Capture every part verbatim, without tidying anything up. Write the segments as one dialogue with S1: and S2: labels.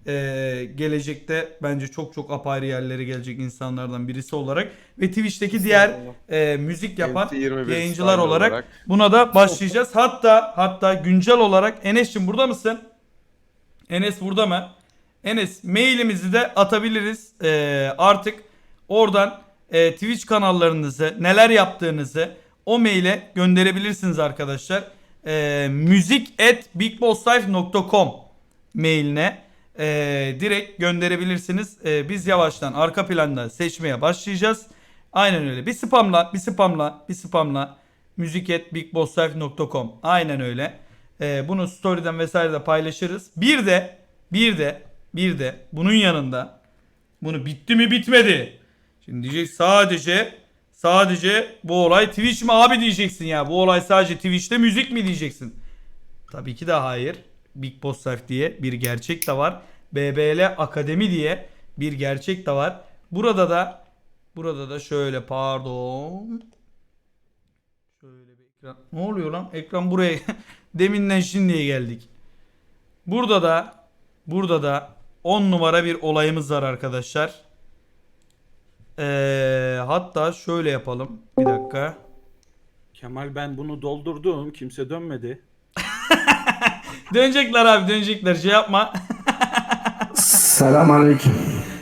S1: Ee, gelecekte bence çok çok apayrı yerlere gelecek insanlardan birisi olarak ve Twitch'teki diğer e, müzik yapan
S2: N T yirmi bir
S1: yayıncılar
S2: style
S1: olarak,
S2: olarak.
S1: buna da başlayacağız. Hatta hatta güncel olarak Enes'cim burada mısın? Enes burada mı? Enes, mailimizi de atabiliriz. Ee, artık oradan e, Twitch kanallarınızı, neler yaptığınızı o maile gönderebilirsiniz arkadaşlar. Ee, müzik at bigbosslife nokta com mailine e, direkt gönderebilirsiniz. E, biz yavaştan arka planda seçmeye başlayacağız. Aynen öyle. Bir spamla, bir spamla, bir spamla müzik at bigbosslife nokta com. Aynen öyle. E, bunu story'den vesaire de paylaşırız. Bir de, bir de, bir de bunun yanında bunu bitti mi bitmedi. Şimdi diyecek sadece sadece bu olay Twitch mi abi diyeceksin ya. Bu olay sadece Twitch'te müzik mi diyeceksin. Tabii ki de hayır. Big Boss Life diye bir gerçek de var. B B L Akademi diye bir gerçek de var. Burada da burada da şöyle pardon. Şöyle bir ekran. Ne oluyor lan? Ekran buraya deminden şimdiye geldik. Burada da burada da on numara bir olayımız var arkadaşlar. Ee, hatta şöyle yapalım. Bir dakika.
S3: Kemal ben bunu doldurdum. Kimse dönmedi.
S1: Dönecekler abi, dönecekler. Şey yapma.
S4: Selamünaleyküm.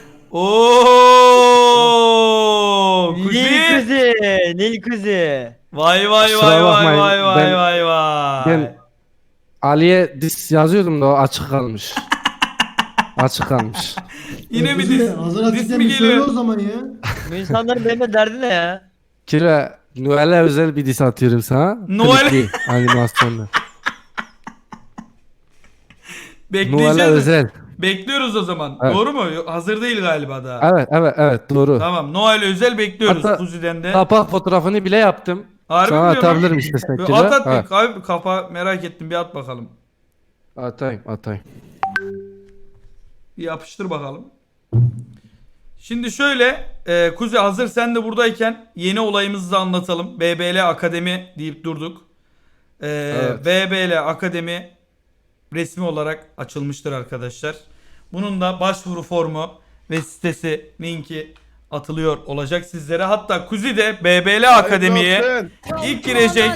S1: Oo!
S5: Nil
S1: Kuzi.
S5: kuzi, Nil kuzi.
S1: Vay vay
S4: Kusura
S1: vay vay
S4: bakmayın,
S1: vay vay
S4: ben-
S1: vay vay.
S4: Ben Ali'ye dis yazıyordum da o açık kalmış. Açık kalmış.
S1: Yine mi
S6: Kuzi,
S1: dis,
S6: hazır
S1: dis
S6: açıkçası
S1: mi
S6: bir söyle
S1: geliyor?
S6: o zaman ya.
S5: Bu insanların benimle derdi ne ya?
S4: Kira Noel'e özel bir dis atıyorum sana.
S1: Noel-
S4: Klipli, animasyonlu. Noel'e
S1: Bekleyeceğiz.
S4: özel.
S1: Bekliyoruz o zaman.
S4: Evet.
S1: Doğru mu? Yok, hazır değil galiba daha.
S4: Evet evet evet doğru.
S1: Tamam. Noel özel bekliyoruz
S4: Hatta
S1: Kuzi'den de.
S4: Kapak fotoğrafını bile yaptım.
S1: Harbi
S4: Sana
S1: mi diyorsun lan?
S4: atabilirim istersen
S1: Bir
S4: Kira.
S1: At at
S4: Evet.
S1: bir abi, kafa merak ettim, bir at bakalım.
S4: Atayım atayım.
S1: Bir yapıştır bakalım. Şimdi şöyle e, Kuzi, hazır sen de buradayken yeni olayımızı da anlatalım. B B L Akademi deyip durduk. E,
S4: Evet.
S1: B B L Akademi resmi olarak açılmıştır arkadaşlar. Bunun da başvuru formu ve sitesi, linki atılıyor olacak sizlere. Hatta Kuzi de B B L Akademi'ye
S2: Hayırlı olsun.
S1: ilk girecek.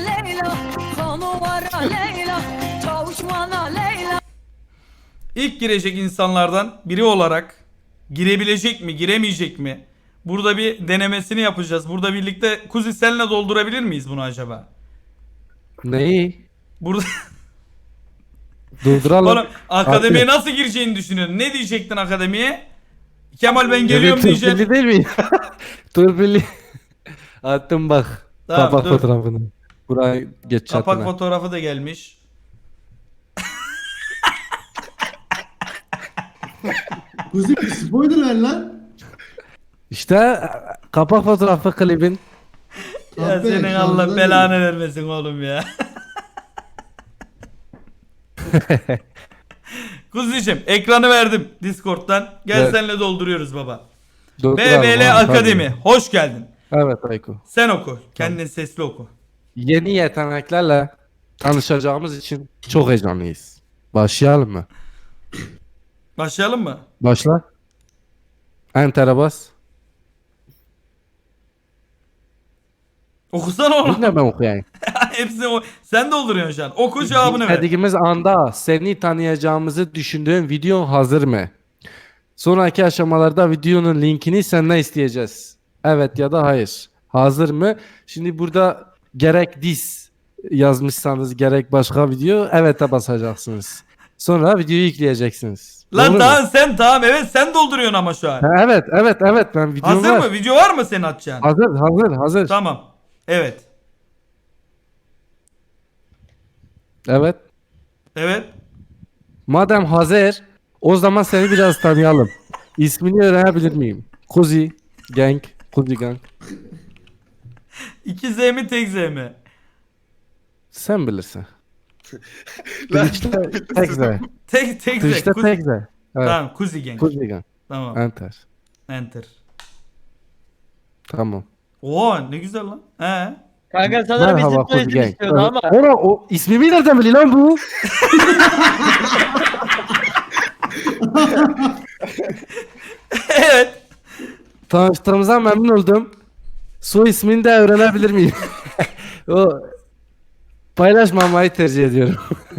S1: İlk girecek insanlardan biri olarak girebilecek mi, giremeyecek mi? Burada bir denemesini yapacağız. Burada birlikte Kuzi senle doldurabilir miyiz bunu acaba?
S4: Neyi?
S1: Burada
S4: Durduralım.
S1: oğlum, akademiye
S4: Atıyor.
S1: nasıl gireceğini düşünüyorsun? Ne diyecektin akademiye? Kemal ben geliyorum
S4: Evet,
S1: diyeceksin.
S4: Turpilli değil mi? Turpilli. Attım bak.
S1: Tamam,
S4: Kapak
S1: dur.
S4: fotoğrafını. Buraya geç
S1: Kapak
S4: çatına.
S1: fotoğrafı da gelmiş.
S6: Kuzi bir spoiler ver lan.
S4: İşte kapak fotoğrafı klibin.
S1: Ya
S6: Kahpe,
S1: senin
S6: şarjdan
S1: Allah
S6: değil.
S1: belanı vermesin oğlum ya. Kuzi'cim ekranı verdim Discord'dan. Gel
S4: Evet.
S1: senle dolduruyoruz baba.
S4: Durduralım
S1: B B
S4: abi,
S1: L
S4: tabii.
S1: Akademi. Hoş geldin.
S4: Evet Ayko.
S1: Sen oku. Kendin sesli oku.
S4: Yeni yeteneklerle tanışacağımız için çok heyecanlıyız. Başlayalım mı?
S1: Başlayalım mı?
S4: Başla. Enter'e bas.
S1: Okusana oğlum.
S4: Bunu da ben okuyayım.
S1: Hepsini o... Sen dolduruyorsun şu an. Oku, cevabını ver.
S4: Dediğimiz anda seni tanıyacağımızı düşündüğün video hazır mı? Sonraki aşamalarda videonun linkini senden isteyeceğiz. Evet ya da hayır. Hazır mı? Şimdi burada gerek dis yazmışsanız gerek başka video evet'e basacaksınız. Sonra videoyu yükleyeceksiniz.
S1: Lan
S4: Doğru mu?
S1: tamam sen tamam evet sen dolduruyorsun ama şu an.
S4: Ha, evet evet evet ben videom
S1: Hazır
S4: var.
S1: mı? Video var mı senin atacağın?
S4: Hazır hazır hazır.
S1: Tamam. Evet.
S4: Evet.
S1: Evet.
S4: Madem hazır o zaman seni biraz tanıyalım. İsmini öğrenebilir miyim? Kuzi Gang. Kuzi Gang.
S1: İki Z mi tek Z mi?
S4: Sen bilirsin.
S2: Lan,
S4: Twitch'te tek Z.
S1: Tek tek Z.
S4: Twitch'te
S1: Kuzi-
S4: tek Z. Evet.
S1: Tamam Kuzi Gang.
S4: Kuzi Gang.
S1: Tamam.
S4: Enter.
S1: Enter.
S4: Tamam.
S1: Oo ne güzel lan. He.
S5: Kanka sanırım bizim
S4: Merhaba Kuzi
S5: soyadım
S4: Gang.
S5: istiyordu ama.
S4: Ona o ismimi nereden biliyor lan bu?
S1: Evet.
S4: Tanıştığımıza memnun oldum. Soy ismini de öğrenebilir miyim? O paylaşmamayı tercih ediyorum.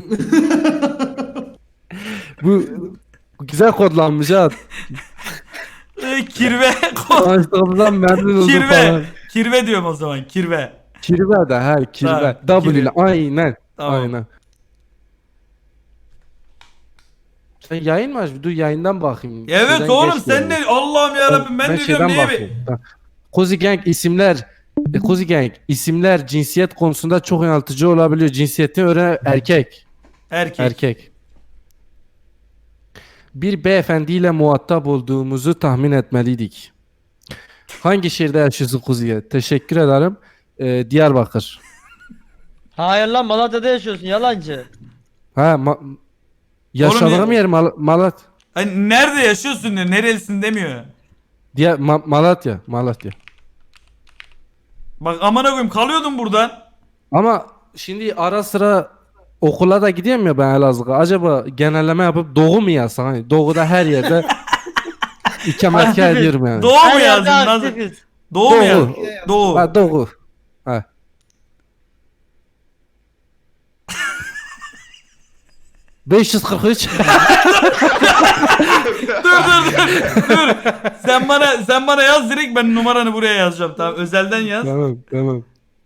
S4: bu, bu güzel kodlanmış ha.
S1: Ee, kirve.
S4: Tanıştığımızdan memnun oldum
S1: kirve.
S4: falan.
S1: Kirve diyorum o zaman. Kirve.
S4: Kirve de her kirve.
S1: Tamam,
S4: W ile
S1: kirve.
S4: aynen.
S1: Tamam.
S4: Aynen. Sen yayın mı aç? Dur yayından bakayım.
S1: Evet
S4: Şeyden
S1: oğlum
S4: geç
S1: sen
S4: geliyor.
S1: ne? Allah'ım yarabbim ben,
S4: ben
S1: de diyorum
S4: şeyden
S1: niye bir...
S4: bakıyorum. Ha. Kozi Gang isimler e, Kozi Gang isimler cinsiyet konusunda çok yanıltıcı olabiliyor. Cinsiyeti öğren erkek.
S1: Erkek.
S4: Erkek. Bir beyefendiyle muhatap olduğumuzu tahmin etmeliydik. Hangi şehirde yaşıyorsun Kuzi'ye? Teşekkür ederim. Ee, Diyarbakır.
S5: Hayır lan Malatya'da yaşıyorsun yalancı.
S4: Ha, ma- yaşadığım
S1: ya-
S4: yer Mal- Malat.
S1: Hani nerede yaşıyorsun diyor. Nerelisin demiyor.
S4: Diye Ma- Malatya, Malatya.
S1: Bak amına koyayım kalıyordum buradan.
S4: Ama şimdi ara sıra okula da gidiyorum ya ben Elazığ'a. Acaba genelleme yapıp Doğu mu yazsam? Hani Doğu'da her yerde ikametgah ediyorum yani.
S1: Doğu mu
S5: Her
S1: yazdın?
S5: yerde
S1: Nasıl?
S5: aktifiz.
S1: Doğu mu
S4: Doğu.
S1: yazdın? Doğu.
S4: Ha, Doğu. Ha. beş yüz kırk üç.
S1: dur dur dur. dur. Sen bana sen bana yaz direkt ben numaranı buraya yazacağım tamam. Özelden yaz.
S4: Tamam, tamam.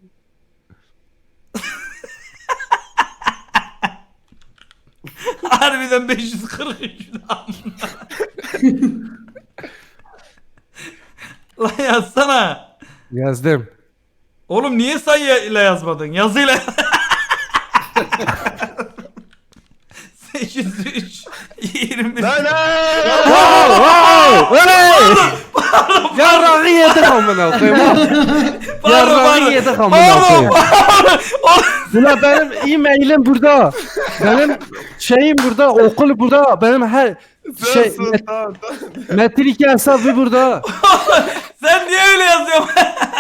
S1: Harbiden beş yüz kırk üç. Lan yazsana.
S4: Yazdım.
S1: Oğlum niye sayıyla yazmadın? Yazıyla. sekiz yüz üç yirmi.
S2: Lan
S4: Wow! Oley! Yarrağı yedik amına koyayım.
S1: Pardon,
S4: Yarrağı
S1: pardon.
S4: yedik amına
S1: Pardon,
S4: koyayım.
S1: pardon.
S4: Ulan benim e-mailim burada. Benim şeyim burada, okul burada. Benim her şey
S2: Sus,
S4: met-
S2: tamam, tamam.
S4: Metin iki hesabı burada.
S1: Sen niye öyle yazıyorsun?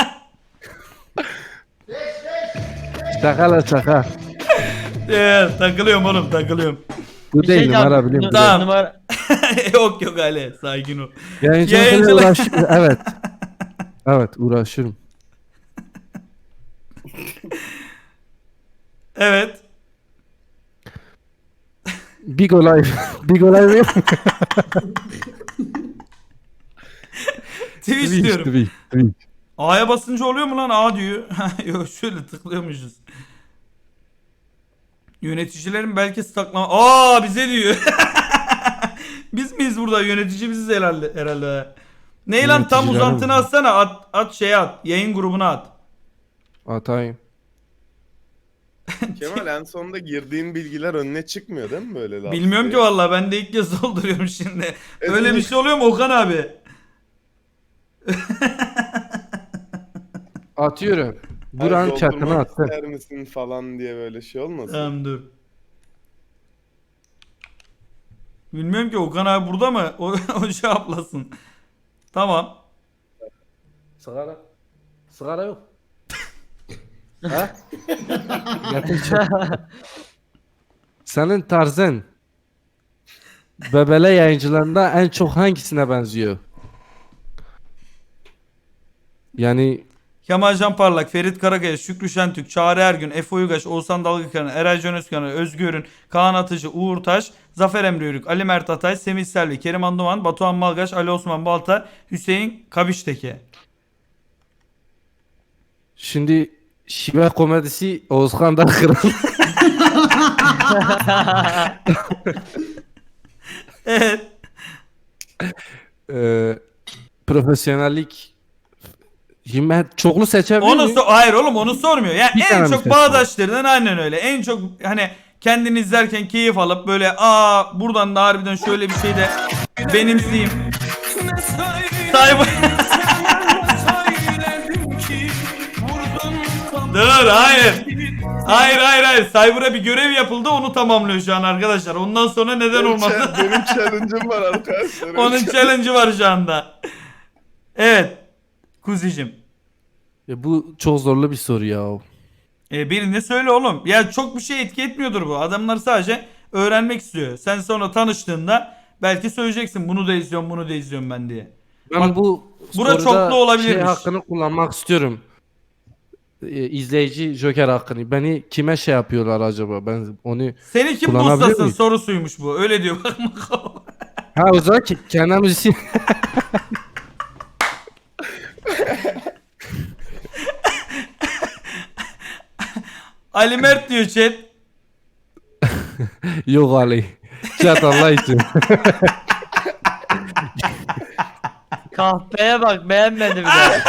S4: Şaka la şaka.
S1: Evet, takılıyorum oğlum takılıyorum.
S4: Bu
S5: Bir
S4: değil
S5: şey
S4: numara
S5: diyeceğim.
S4: biliyorum.
S5: Nu-
S1: Tamam.
S5: Numara.
S1: yok yok Ali sakin ol.
S4: Yayıncılıkla
S1: Yayıncılık-
S4: uğraşıyorum. Evet. Evet uğraşıyorum.
S1: Evet.
S4: Big olay. Big olay değil.
S1: Twitch diyorum.
S4: Twitch, Twitch.
S1: A'ya basınca oluyor mu lan A diyor. Yok şöyle tıklıyormuşuz. Yöneticilerin belki staklama... Aa bize diyor. Biz miyiz burada? Yönetici biziz herhalde. herhalde. Ne lan tam
S4: Yöneticilerin-
S1: uzantını atsana. At, at şeye at. Yayın grubuna at.
S4: Atayım.
S2: Kemal en sonunda girdiğin bilgiler önüne çıkmıyor değil mi böyle laf?
S1: Bilmiyorum ki vallahi ben de ilk kez dolduruyorum şimdi. Öyle bir şey oluyor mu Okan abi?
S4: Atıyorum.
S2: Hayır,
S4: Buranın chatine
S2: doldurmak
S4: attım.
S2: ister misin falan diye böyle şey olmasın?
S1: Tamam dur. Bilmiyorum ki Okan abi burada mı? O, o cevaplasın. Tamam.
S4: Sigara. Sigara yok. Ha? Getir. Senin tarzın Bebele yayıncılarında en çok hangisine benziyor? Yani
S1: Kemal Can Parlak, Ferit Karakaya, Şükrü Şentürk, Çağrı Ergün, Efe Uygaş, Oğuzhan Dalgıkaran, Eray Can Özkan, Özgür Ürün, Kaan Atıcı, Uğur Taş, Zafer Emre Yörük, Ali Mert Atay, Semih Selvi, Kerim Anduman, Batuhan Malgaç, Ali Osman Balta, Hüseyin Kabişteke.
S4: şimdi şive komedisi Oğuzhan'dan kral.
S1: Evet.
S4: Ee, profesyonellik himmet çoklu seçebilir
S1: Onu
S4: miyim?
S1: so- hayır oğlum onu sormuyor. Yani
S4: Bir tane
S1: en
S4: mi
S1: çok
S4: seçtin?
S1: bağdaşlarından aynen öyle. En çok hani kendini izlerken keyif alıp böyle aa buradan da harbiden şöyle bir şey de benimseyeyim. Sahibi. Dur hayır. Hayır hayır hayır. Cyber'a bir görev yapıldı onu tamamlıyor şu an arkadaşlar. Ondan sonra neden
S2: Benim
S1: olmadı?
S2: cha- Benim challenge'ım var arkadaşlar.
S1: Onun challenge'ı var şu anda. Evet. Kuzicim.
S4: Ya bu çok zorlu bir soru ya.
S1: E birini söyle oğlum. Ya çok bir şey etki etmiyordur bu. Adamlar sadece öğrenmek istiyor. Sen sonra tanıştığında Belki söyleyeceksin bunu da izliyorum bunu da izliyorum ben diye.
S4: Ben
S1: Bak,
S4: bu
S1: bura
S4: soruda
S1: çoklu olabilirmiş.
S4: şey hakkını kullanmak istiyorum. Ee, izleyici Joker hakkını. Beni kime şey yapıyorlar acaba? Ben onu
S1: Seni kim
S4: kullanabiliyor
S1: bustasın
S4: muyum?
S1: sorusuymuş bu. Öyle diyor bak.
S4: Ha o zaman ki kendi müziği
S1: Ali Mert diyor chat.
S4: yok Ali. Chat Allah için.
S5: Kahpeye bak beğenmedi bir de.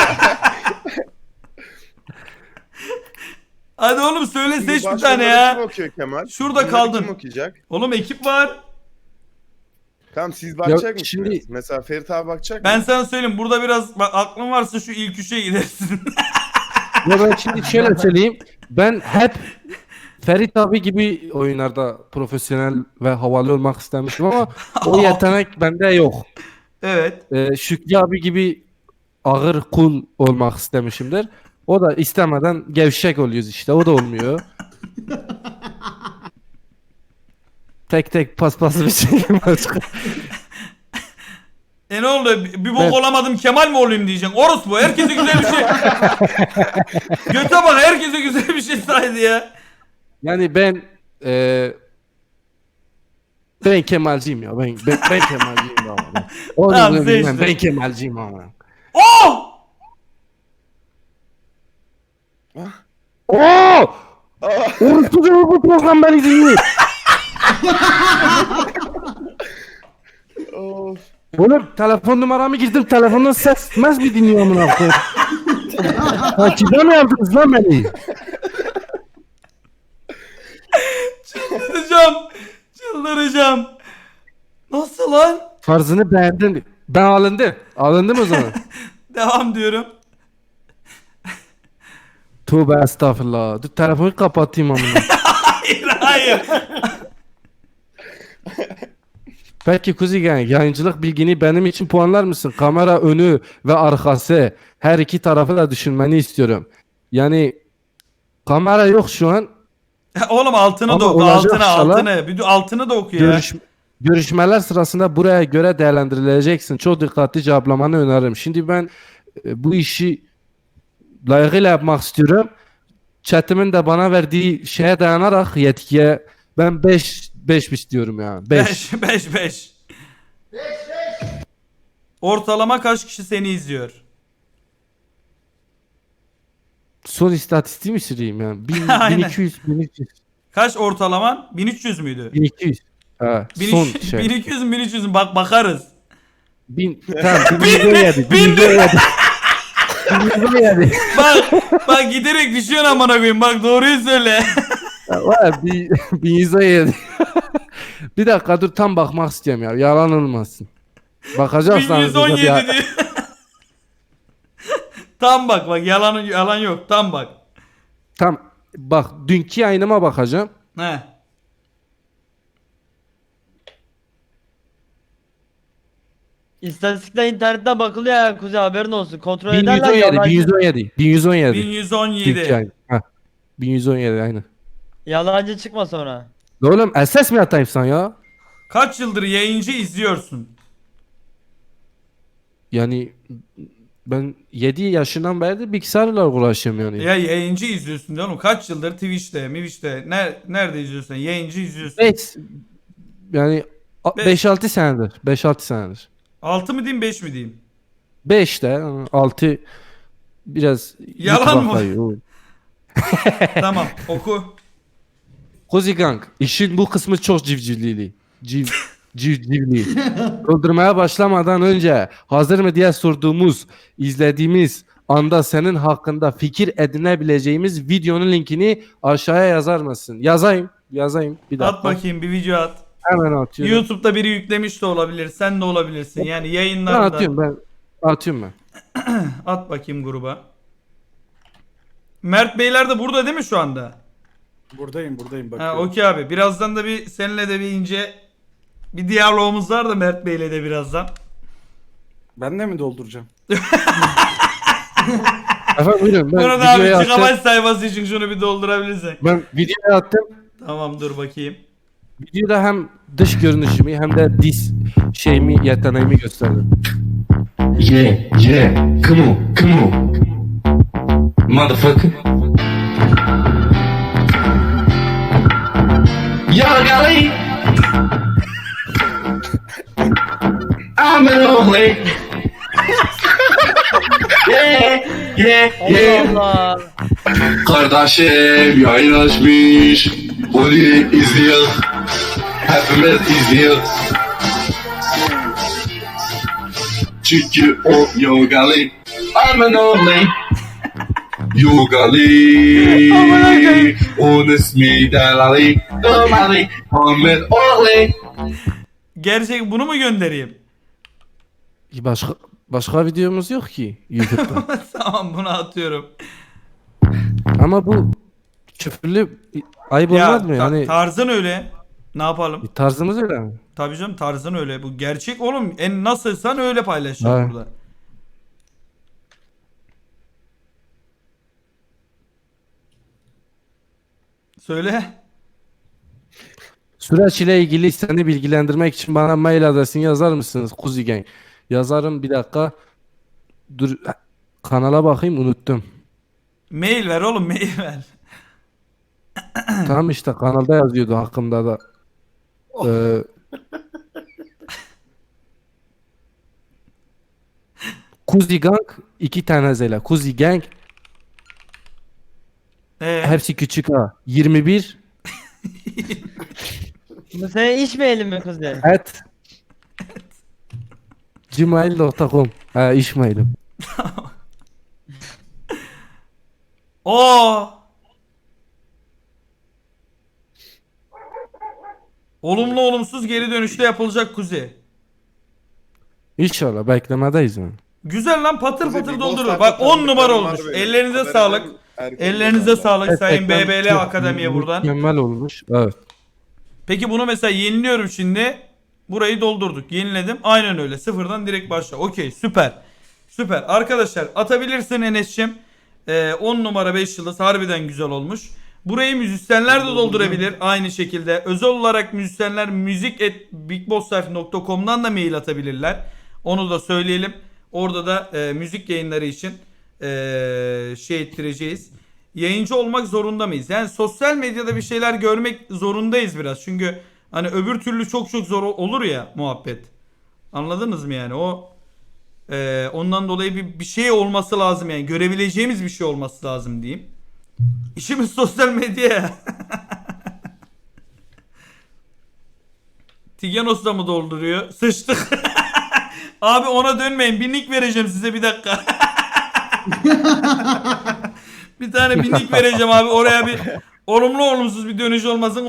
S1: Hadi oğlum söyle
S2: Şimdi
S1: seç bir
S2: başkaları
S1: tane ya.
S2: Kim okuyor Kemal?
S1: Şurada
S2: Bunları
S1: kaldın.
S2: Kim okuyacak?
S1: Oğlum ekip var.
S2: Tamam siz bakacak
S4: Ya
S2: mısınız?
S4: şimdi-
S2: Mesela Ferit abi bakacak
S1: Ben
S2: mı?
S1: sana söyleyeyim burada biraz bak aklın varsa şu ilk üçe gidersin.
S4: Ya ben şimdi şöyle söyleyeyim. Ben hep Ferit abi gibi oyunlarda profesyonel ve havalı olmak istemiştim ama o yetenek bende yok.
S1: Evet.
S4: Ee, Şükrü abi gibi ağır cool olmak istemişimdir. O da istemeden gevşek oluyoruz işte. O da olmuyor. Tek tek paspası bir şey başka.
S1: E ne oldu? Bir bir bok
S4: Evet.
S1: olamadım Kemal mi olayım diyeceksin. Orospu herkese güzel bir şey. Göte bak herkese güzel bir şey saydı ya.
S4: Yani ben e, ben Kemalciyim ya. Ben ben, ben Kemalciyim ya. Onu
S1: Tamam,
S4: bunu bilmem.
S1: seçtim.
S4: Ben Kemalciyim ama.
S1: Oh!
S4: Oo! Orası da bu program beni dinliyor.
S2: Of.
S4: Oğlum telefon numaramı girdim. Telefondan ses mes mi dinliyor amına koyayım? Ha kime mi yaptınız lan beni?
S1: Çıldıracağım. Çıldıracağım. Nasıl lan?
S4: Farzını beğendin. Ben alındım. Alındım o zaman.
S1: Devam diyorum.
S4: Tövbe estağfurullah. Dur telefonu kapatayım amına.
S1: Hayır hayır.
S4: Peki Kuzi Gang, yayıncılık bilgini benim için puanlar mısın? Kamera önü ve arkası her iki tarafı da düşünmeni istiyorum. Yani kamera yok şu an.
S1: Oğlum altını
S4: Ama
S1: da oku.
S4: olacak
S1: Altını
S4: inşallah.
S1: altını. Bir de altını da oku ya.
S4: Görüş, görüşmeler sırasında buraya göre değerlendirileceksin. Çok dikkatli cevaplamanı öneririm. Şimdi ben e, bu işi layıkıyla yapmak istiyorum. Chat'imin de bana verdiği şeye dayanarak yetkiye ben beş beş istiyorum ya. beş.
S1: beş beş beş. Ortalama kaç kişi seni izliyor?
S4: Son istatistiği mi süreyim ya? bin,
S1: Aynen.
S4: bin iki yüz, bin üç yüz,
S1: Kaç ortalaman? bin üç yüz müydü?
S4: bin iki yüz. Ha,
S1: bin
S4: son
S1: üç yüz,
S4: şey.
S1: bin iki yüz mü bin üç yüz mü? Bak bakarız.
S4: Bin, tamam, bin,
S1: Bin
S4: bin,
S1: ne?
S4: yedi,
S1: Bin
S4: bin,
S1: ne?
S4: yedi. Bin yedi.
S1: Bak bak giderek düşüyorsun amına koyayım. Bak doğruyu söyle.
S4: Var bin, bin yüz on yedi. Bir dakika dur tam bakmak istiyorum ya. Yalan olmasın. Bakacaksan.
S1: bin yüz on yedi diyor. Tam bak bak yalan yalan yok. Tam bak.
S4: Tam bak dünkü yayınıma bakacağım.
S1: He.
S5: İstatistikler internetten bakılıyor ya Kuzey haberin olsun. Kontrol
S4: bin yüz
S5: ederler
S4: on yedi, bin
S5: yalancı.
S4: yüz on yedi, bin yüz on yedi.
S1: bin yüz on
S4: Dünkü
S1: yedi.
S4: yayın. Ha. bin yüz on yedi aynı.
S5: Yalancı çıkma sonra.
S4: Oğlum S S mi atayım sen ya?
S1: Kaç yıldır yayıncı izliyorsun?
S4: Yani ben yedi yaşından beri de bilgisayarla uğraşıyorum yani.
S1: Ya yayıncı izliyorsun diyor oğlum. Kaç yıldır Twitch'te, Twitch'te ner nerede izliyorsun? Yayıncı izliyorsun.
S4: beş yani
S1: Beş.
S4: beş altı senedir. beş altı senedir.
S1: altı mı diyeyim beş mi diyeyim?
S4: beş de altı biraz
S1: Yalan
S4: YouTube'a
S1: mı?
S4: kayıyor.
S1: Tamam oku.
S4: Kozi Gang, işin bu kısmı çok civcivlili. Civ, civcivli. Öldürmeye başlamadan önce hazır mı diye sorduğumuz, izlediğimiz anda senin hakkında fikir edinebileceğimiz videonun linkini aşağıya yazar mısın? Yazayım, yazayım. Bir dakika.
S1: At bakayım bir video at.
S4: Hemen atıyorum.
S1: YouTube'da biri yüklemiş de olabilir. Sen de olabilirsin. Yani
S4: Ben
S1: yayınlarda.
S4: atıyorum ben. Atıyorum ben.
S1: At bakayım gruba. Mert Beyler de burada değil mi şu anda?
S3: Buradayım buradayım
S1: Ha
S3: bakıyorum.
S1: okey abi. Birazdan da bir seninle de bir ince bir diyalogumuz var da Mert Bey'le de birazdan.
S3: Ben de mi dolduracağım?
S4: Efendim buyurun. Ben
S1: Burada abi
S4: videoya
S1: çıkamaç
S4: attım.
S1: sayfası için şunu bir doldurabilirsin.
S4: Ben videoya attım.
S1: Tamam dur bakayım.
S4: Videoda hem dış görünüşümü hem de diz şeyimi, yeteneğimi gösterdim.
S7: Yeah, yeah, come on, come on. Motherfucker. Y'all golly. I'm an only. Yeah, yeah, yeah.
S5: Allah Allah.
S7: Kardeşim yayın açmış. Onu izliyor. Hepimiz izliyor. Çünkü o yogali. I'm an only. Yogali. Onun ismi Delali. Delali. I'm an only.
S1: Gerçek bunu mu göndereyim?
S4: Başka başka videomuz yok ki YouTube'da.
S1: Tamam bunu atıyorum.
S4: Ama bu küfürlü ayıp
S1: Ya
S4: olmaz mı?
S1: ta-
S4: Yani
S1: tarzın öyle. Ne yapalım?
S4: tarzımız öyle mi?
S1: Tabii canım tarzın öyle. Bu gerçek oğlum. En nasılsan öyle paylaşacağım
S4: Ha.
S1: burada. Söyle.
S4: Süreç ile ilgili seni bilgilendirmek için bana mail adresini yazar mısınız Kuzi Gang? Yazarım, bir dakika. Dur, kanala bakayım, unuttum.
S1: Mail ver oğlum mail ver.
S4: Tamam işte kanalda yazıyordu hakkımda da. Ee, Kuzi Gang iki tane zela. Kuzi Gang
S1: Ee,
S4: hepsi küçük ha. yirmi bir
S5: Bu senin iş mailin mi kuzey?
S4: at gmail nokta com. Ha, iş mailim.
S1: o olumlu olumsuz geri dönüşte yapılacak Kuzey.
S4: İnşallah beklemedeyiz yani.
S1: Güzel lan patır
S2: Kuzey,
S1: patır
S2: bir
S1: doldurur.
S2: Ghost'larda
S1: Bak on numara
S2: tanıdıklarım var
S1: olmuş.
S2: benim.
S1: Ellerinize
S2: Haberden
S1: sağlık.
S2: erken
S1: Ellerinize
S2: gönderdim.
S1: sağlık Sayın
S4: Gerçekten
S1: B B L
S4: çok
S1: Akademi'ye buradan.
S4: Mükemmel olmuş. Evet.
S1: Peki bunu mesela yeniliyorum şimdi. Burayı doldurduk. Yeniledim. Aynen öyle. Sıfırdan direkt başla. Okey süper. Süper. Arkadaşlar atabilirsin Enes'cim. Ee, on numara beş yıldız harbiden güzel olmuş. Burayı müzisyenler de doldurabilir. Aynı şekilde. Özel olarak müzisyenler müzik at bigboslife nokta com'dan da mail atabilirler. Onu da söyleyelim. Orada da e, müzik yayınları için e, şey ettireceğiz. Yayıncı olmak zorunda mıyız? Yani sosyal medyada bir şeyler görmek zorundayız biraz. Çünkü hani öbür türlü çok çok zor olur ya muhabbet. Anladınız mı yani? O e, ondan dolayı bir, bir şey olması lazım yani. Görebileceğimiz bir şey olması lazım diyeyim. İşimiz sosyal medya. Tigenos da mı dolduruyor? Sıçtık. Abi ona dönmeyin. Bir nick vereceğim size bir dakika. Bir tane bir nick vereceğim abi. Oraya bir olumlu olumsuz bir dönüş olmasın.